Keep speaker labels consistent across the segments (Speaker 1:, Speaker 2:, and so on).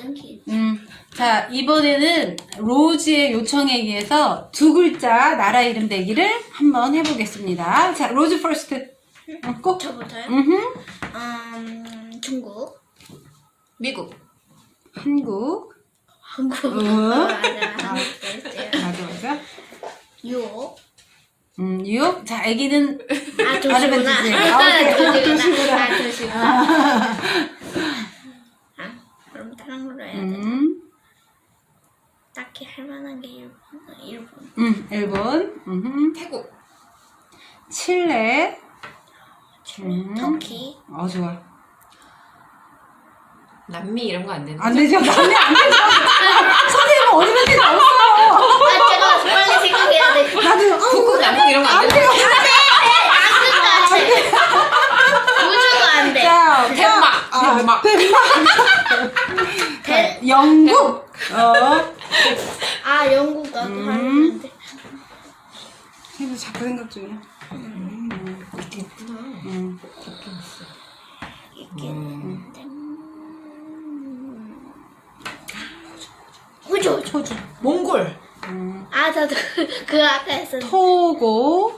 Speaker 1: 땡기.
Speaker 2: 자, 이번에는 로즈의 요청에 의해서 두 글자 나라 이름 대기를 한번 해보겠습니다. 자, 로즈 퍼스트. 꼭.
Speaker 1: 저부터요? 중국.
Speaker 3: 미국.
Speaker 2: 한국.
Speaker 1: 한국.
Speaker 2: 맞아,
Speaker 1: 맞아.
Speaker 2: 맞아.
Speaker 1: 유혹.
Speaker 2: 뉴욕. 자, 애기는
Speaker 1: 아,
Speaker 2: 발음은
Speaker 1: 도시구나.
Speaker 2: 주세요.
Speaker 1: 도시구나. 아, 도시구나. 그럼 다른 걸로 해야 돼. 딱히 할 만한 게 일본.
Speaker 2: 일본.
Speaker 3: 태국.
Speaker 2: 칠레.
Speaker 1: 터키.
Speaker 2: 좋아.
Speaker 3: 남미 이런 거 안 되나?
Speaker 2: 안 되죠? 남이 안 되죠? 선생님은 어디밖에 없어.
Speaker 1: 아, 제가 빨리 생각해야 돼.
Speaker 2: 나도.
Speaker 3: 북극, 남극 이런 거 안 되나?
Speaker 1: 안 된다. 우주도 안 돼.
Speaker 2: 자,
Speaker 3: 덴마크.
Speaker 1: 대-
Speaker 2: 영국.
Speaker 1: 영국 나도 하는데.
Speaker 2: 해도 자꾸 생각 중이야.
Speaker 3: 있긴 있구나.
Speaker 1: 있긴 있는데. 호주.
Speaker 2: 호주.
Speaker 3: 몽골.
Speaker 1: 저도 그 아까 했었는데.
Speaker 2: 토고.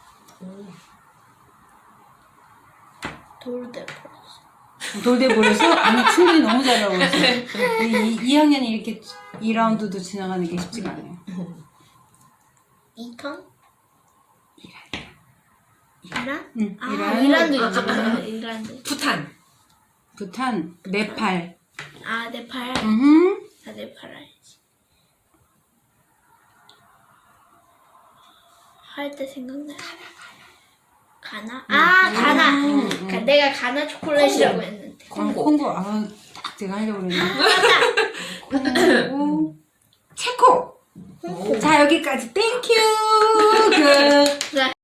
Speaker 2: 돌대보려서 아니 충분히 너무 잘하고 있어요. 2학년이 이렇게 2라운드도 지나가는 게 쉽지가 않아요.
Speaker 1: 이턴? 이란?
Speaker 2: 이란.
Speaker 1: 이란도 있잖아. 이란도.
Speaker 3: 부탄.
Speaker 2: 네팔.
Speaker 1: 네팔. 네팔 알지. 할 때 생각나. 가나? 가나. 내가 가나 초콜릿이라고 했는데.
Speaker 2: 콩고. 딱 제가 하려고 그랬는데.
Speaker 1: 맞아.
Speaker 2: 콩고. 체코. 자, 여기까지. 땡큐. 굿.
Speaker 1: 네.